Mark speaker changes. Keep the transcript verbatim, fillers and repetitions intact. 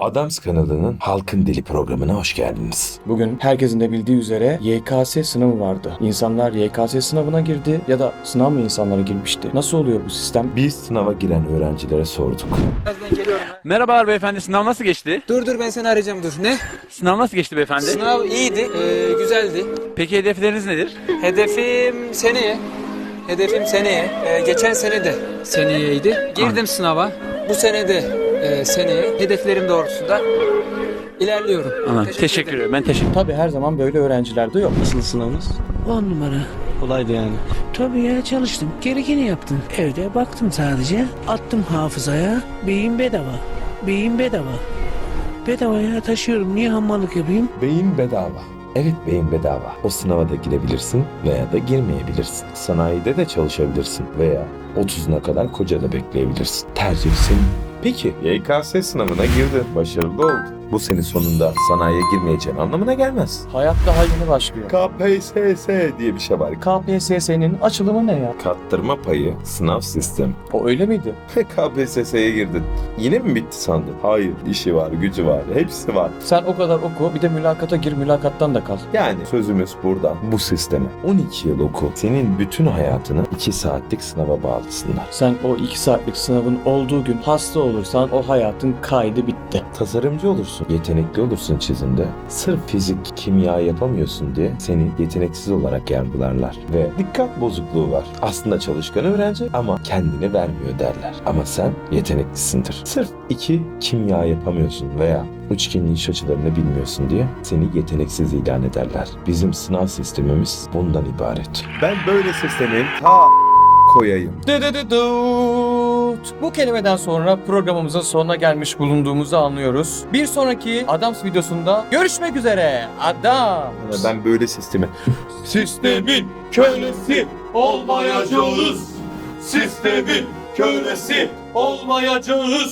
Speaker 1: Adams kanalının Halkın Dili programına hoş geldiniz.
Speaker 2: Bugün herkesin de bildiği üzere Y K S sınavı vardı. İnsanlar Y K S sınavına girdi ya da sınav mı insanlara girmişti? Nasıl oluyor bu sistem?
Speaker 1: Biz sınava giren öğrencilere sorduk.
Speaker 3: Birazdan geliyorum.
Speaker 4: Merhabalar beyefendi, sınav nasıl geçti?
Speaker 3: Dur dur ben seni arayacağım dur. Ne?
Speaker 4: Sınav nasıl geçti beyefendi?
Speaker 3: Sınav iyiydi, ee, güzeldi.
Speaker 4: Peki hedefleriniz nedir?
Speaker 3: Hedefim seneye. Hedefim seneye. Ee, geçen sene de seneyeydi. Girdim sınava. Bu sene de e, seneye. Hedeflerim doğrultusunda ilerliyorum.
Speaker 4: Ana, teşekkür, ederim. Ben teşekkür
Speaker 2: Tabii her zaman böyle öğrenciler de yok.
Speaker 5: Nasıl sınavınız?
Speaker 6: On numara.
Speaker 5: Kolaydı yani.
Speaker 6: Tabii ya, çalıştım. Gerekeni yaptım. Evde baktım sadece. Attım hafızaya. Beyin bedava. Beyin bedava. Bedavaya taşıyorum. Niye hamallık yapayım?
Speaker 1: Beyin bedava. Evet, beyin bedava. O sınava da girebilirsin veya da girmeyebilirsin. Sanayide de çalışabilirsin veya otuzuna kadar koca da bekleyebilirsin. Tercih senin. Peki Y K S sınavına girdin, başarılı oldun. Bu senin sonunda sanayiye girmeyeceğin anlamına gelmez.
Speaker 2: Hayat daha yeni başlıyor.
Speaker 1: K P S S diye bir şey var.
Speaker 2: K P S S'nin açılımı ne ya?
Speaker 1: Kattırma payı sınav sistemi.
Speaker 2: O öyle miydi?
Speaker 1: K P S S'ye girdin. Yine mi bitti sandın? Hayır, işi var, gücü var, hepsi var.
Speaker 2: Sen o kadar oku, bir de mülakata gir, mülakattan da kal.
Speaker 1: Yani sözümüz buradan bu sisteme. on iki yıl oku. Senin bütün hayatını iki saatlik sınava bağlısınlar.
Speaker 2: Sen o iki saatlik sınavın olduğu gün hasta olursan o hayatın kaydı bitti.
Speaker 1: Tasarımcı olursun, yetenekli olursun çizimde. Sırf fizik, kimya yapamıyorsun diye seni yeteneksiz olarak yargılarlar. Ve dikkat bozukluğu var. Aslında çalışkan öğrenci ama kendini vermiyor derler. Ama sen yeteneklisindir. Sırf iki kimya yapamıyorsun veya üçgenli iç açılarını bilmiyorsun diye seni yeteneksiz ilan ederler. Bizim sınav sistemimiz bundan ibaret. Ben böyle sistemin ta koyayım.
Speaker 2: Dıdıdıdıt. Bu kelimeden sonra programımızın sonuna gelmiş bulunduğumuzu anlıyoruz. Bir sonraki Adams videosunda görüşmek üzere. Adams.
Speaker 1: Ben böyle sistemi
Speaker 7: Sistemin kölesi olmayacağız. Sistemin kölesi olmayacağız.